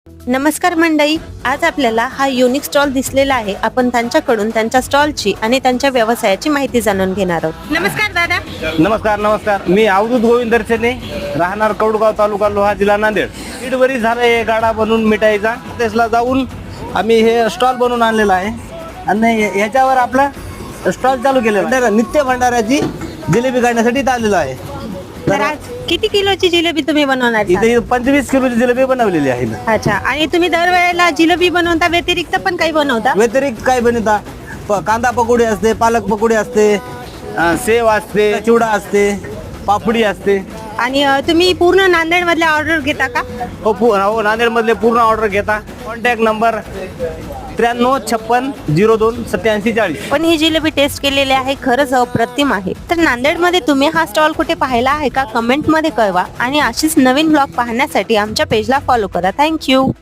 नमस्कार मंडळी, आज आपल्याला हा युनिक स्टॉल दिसलेला आहे. आपण त्यांच्याकडून त्यांच्या स्टॉलची आणि त्यांच्या व्यवसायाची माहिती जाणून घेणार आहोत. नमस्कार दादा. नमस्कार. मी अवधूत गोविंद दर्शने, राहणार कौडगाव, तालुका लोहा, जिल्हा नांदेड. दीड वरी झालं हे गाडा बनवून मिठाईचा. त्याला जाऊन आम्ही हे स्टॉल बनवून आणलेला आहे आणि ह्याच्यावर आपला स्टॉल चालू केलेला. नित्य भंडाऱ्याची जिलेबी काढण्यासाठी इथं आलेलो आहे. तर आज किती किलोची जिलेबी तुम्ही बनवणार आहात? इथे 25 किलोची जिलेबी बनवलेली आहे. अच्छा, आणि तुम्ही दरवेळेला जिलेबी बनवता व्यतिरिक्त पण काही बनवता? व्यतिरिक्त काय बनवता? कांदा पकोडी असते, पालक पकोडी असते, सेव असते, चिवडा असते, पापडी असते. आणि तुम्ही पूर्ण नांदेड मधल्या ऑर्डर घेता का? हो, नांदेड मधले पूर्ण ऑर्डर घेता. Contact number 9356028740. पण ही जिलेबी टेस्ट केलेली आहे, खरंच अप्रतिम आहे. तर नांदेडमध्ये तुम्ही हा स्टॉल कुठे पाहिला आहे का? कमेंट मध्ये कळवा आणि अशीच नवीन ब्लॉग पाहण्यासाठी आमच्या पेजला फॉलो करा. थँक्यू.